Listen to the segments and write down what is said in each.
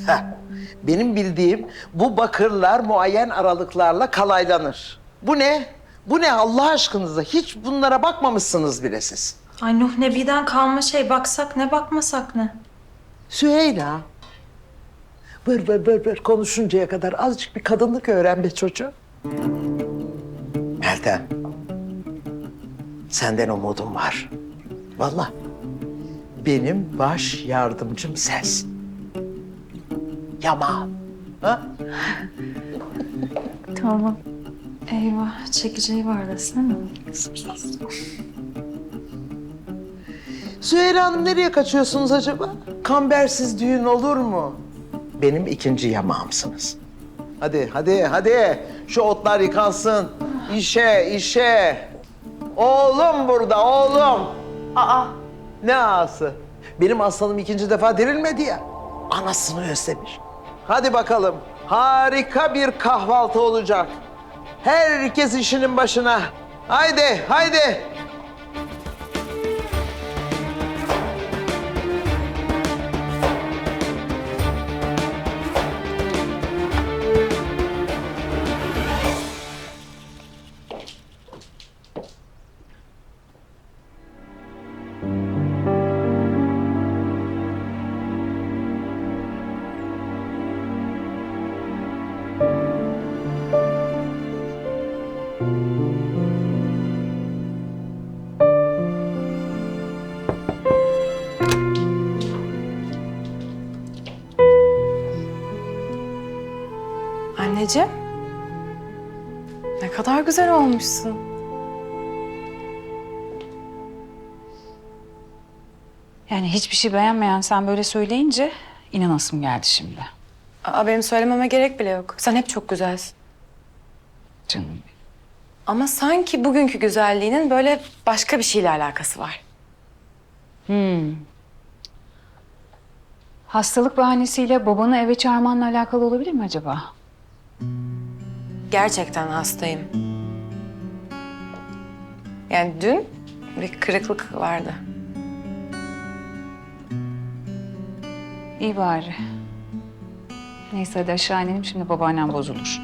Heh. Benim bildiğim bu bakırlar muayyen aralıklarla kalaylanır. Bu ne? Bu ne Allah aşkınıza? Hiç bunlara bakmamışsınız bile siz. Ay Nuh Nebi'den kalma şey. Baksak ne bakmasak ne? Süheyla. Bır konuşuncaya kadar azıcık bir kadınlık öğren be çocuğum. Meltem. Senden umudum var. Vallahi. Benim baş yardımcım sensin. Yaman. Ha? Tamam. Eyvah. Çekeceği var desene. Süheyla Hanım nereye kaçıyorsunuz acaba? Kambersiz düğün olur mu? Benim ikinci yamağımsınız. Hadi. Şu otlar yıkansın. İşe. Oğlum burada, oğlum. Aa, ne ağası? Benim aslanım ikinci defa dirilmedi ya. Anasını özlemiş. Hadi bakalım. Harika bir kahvaltı olacak. Herkes işinin başına. Haydi. Anneciğim, ne kadar güzel olmuşsun. Yani hiçbir şey beğenmeyen sen böyle söyleyince inanasım geldi şimdi. Benim söylememe gerek bile yok. Sen hep çok güzelsin. Canım benim. Ama sanki bugünkü güzelliğinin böyle başka bir şeyle alakası var. Hastalık bahanesiyle babanı eve çağırmanla alakalı olabilir mi acaba? Gerçekten hastayım. Yani dün bir kırıklık vardı. İyi bari. Neyse hadi aşağı inelim şimdi babaannem bozulur.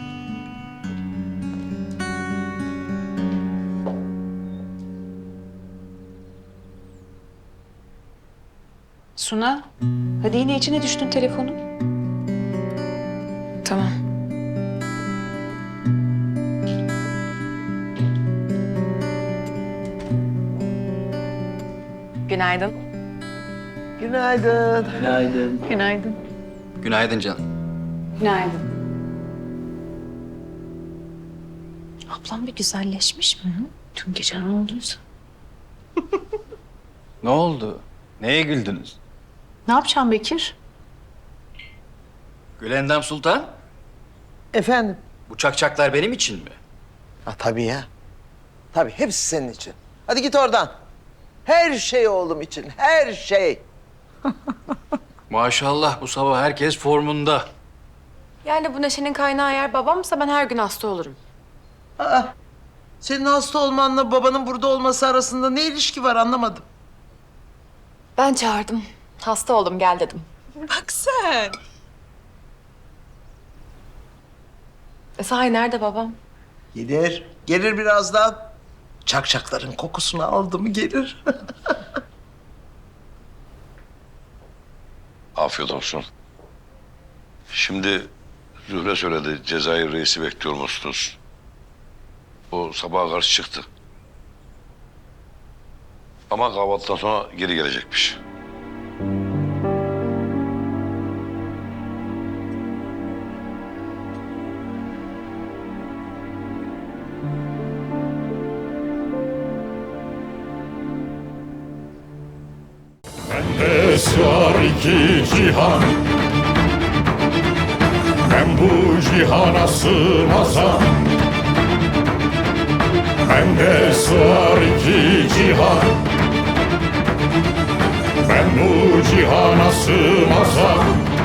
Suna, hadi yine içine düştün telefonun. Tamam. Günaydın. Günaydın. Günaydın. Günaydın canım. Günaydın. Ablam bir güzelleşmiş mi? Dün gece ne olduysa. Ne oldu? Neye güldünüz? Ne yapacağım Bekir? Gülendam Sultan, Efendim? bu çakçaklar benim için mi? Ha, tabii ya. Tabii hepsi senin için. Hadi git oradan. Her şey oğlum için, her şey. Maşallah bu sabah herkes formunda. Yani bu neşenin kaynağı eğer babamsa ben her gün hasta olurum. Aa, senin hasta olmanla babanın burada olması arasında ne ilişki var anlamadım. Ben çağırdım. Hasta oldum gel dedim. Bak sen. Sahi nerede babam? Gelir birazdan. Çakçakların kokusunu aldı mı gelir. Afiyet olsun. Şimdi Zühre söyledi, Cezayir reisi bekliyor musunuz? O sabaha karşı çıktı. Ama kahvaltıdan sonra geri gelecekmiş. Bende sığar iki cihan, ben bu cihana sığmazam. Bende sığar iki cihan, ben bu cihana sığmazam.